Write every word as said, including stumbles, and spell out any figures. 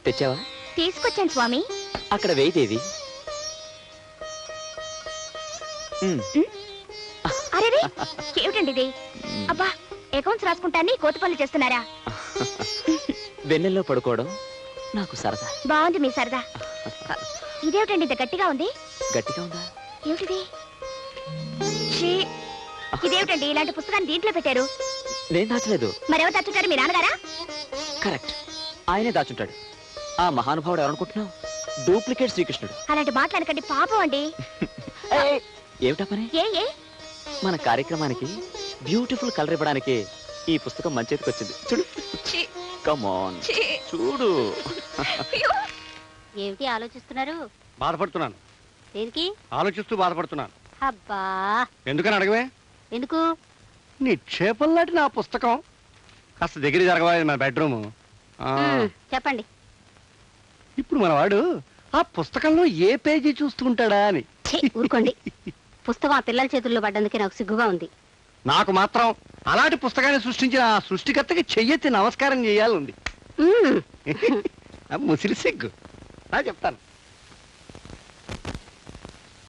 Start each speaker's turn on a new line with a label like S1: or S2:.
S1: తెచ్చావా?
S2: తీసుకొచ్చాను స్వామి.
S1: అక్కడ వేయిదేవి.
S2: అరే ఏమిటండి ఇది? అబ్బా, అకౌంట్స్ రాసుకుంటాన్ని కోతి పనులు చేస్తున్నారా?
S1: వెన్నెల్లో పడుకోవడం నాకు సరదా.
S2: బాగుంది మీ సరదా. ఇదేమిటండి ఇంత గట్టిగా ఉంది?
S1: గట్టిగా ఉందా?
S2: ఏమిటిది? ఇదేమిటండి ఇలాంటి పుస్తకాన్ని దీంట్లో పెట్టారు?
S1: నేను దాచలేదు.
S2: మరెవరు దాచుంటారు? మీ నాన్నగారా?
S1: కరెక్ట్, ఆయనే దాచుంటాడు. ఆ మహానుభావుడు ఎవరనుకుంటున్నావు? డూప్లికేట్ శ్రీకృష్ణుడు.
S2: అలాంటి మాట్లాడకండి, పాపం అండి.
S1: ఏమిటా పని?
S2: ఏ ఏ
S1: మన కార్యక్రమానికి బ్యూటిఫుల్ కలర్ ఇవ్వడానికి ఈ పుస్తకం మన చేతికి వచ్చింది. చూడు, కమ్ ఆన్, చూడు.
S2: ఏమిటి ఆలోచిస్తున్నారు?
S3: బాధపడుతున్నాను.
S2: దేనికి
S3: ఆలోచిస్తూ బాధపడుతున్నాను.
S2: అబ్బా,
S3: ఎందుకని అడగవే?
S2: ఎందుకు?
S3: నిక్షేపం లాంటి నా పుస్తకం కాస్త దగ్గర జరగవాలి. మన బెడ్రూమ్.
S2: చెప్పండి.
S3: ఇప్పుడు మన వాడు ఆ పుస్తకంలో ఏ పేజీ చూస్తుంటాడా అని.
S2: ఊరుకోండి. పుస్తకం ఆ పిల్లల చేతుల్లో పడ్డందుకే నాకు సిగ్గుగా ఉంది.
S3: నాకు మాత్రం అలాంటి పుస్తకాన్ని సృష్టించిన ఆ సృష్టికర్తకి చెయ్యెత్తి నమస్కారం చేయాలి ఉంది. ముసిరి సిగ్గు. నా చెప్తాను.